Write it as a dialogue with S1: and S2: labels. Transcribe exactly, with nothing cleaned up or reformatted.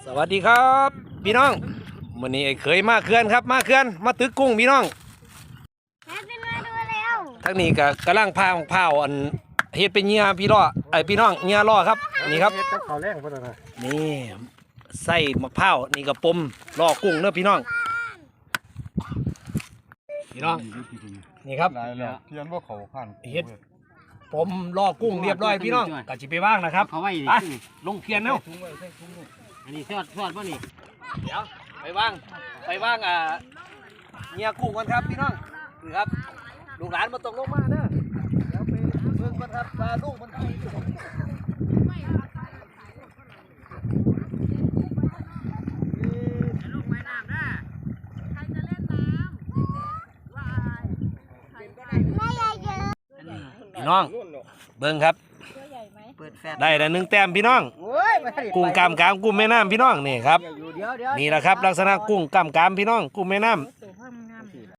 S1: วัสดีครับพี่น้องวันนี้ไอ้เคยมาเขื่อนครับมาเขื่อนมาตึกกุ้งพี่น้องทั้งนี้ก็กำลังพาของเผาอันเฮ็ดเป็นเงียพี่ล่อไอพี่น้องเงียล่อครับนี่ครับนี่ใส่มะพร้าวนี่ก็ปมล่อกุ้งเนื้อพี่น้องพี่น้องนี่ครับ
S2: เทียนว่าเขาขัน
S1: เฮ็ดปมล่อกุ้งเรียบร้อยพี่น้องก็จิไปว่างนะครับ
S3: เขาไว้
S1: ไปลงเพียนเนาะ
S3: อันนี้ทอดทอดป่ะนี่
S1: เดี๋ยวไปว่างไปว่างอ่าเงียกุ้งกันครับพี่น้องคือครับลูกหลานมาตกลงมาเด้อเดี๋ยวไปเบิ่งกันครับปลาลูกมันพี่น้องเบิ่งครับได้แต่หนึ่งแต้มพี่น้องกุ้งกามกามกุ้งแม่น้ำพี่น้องนี่ครับนี่แหละครับลักษณะกุ้งกามกามพี่น้องกุ้งแม่น้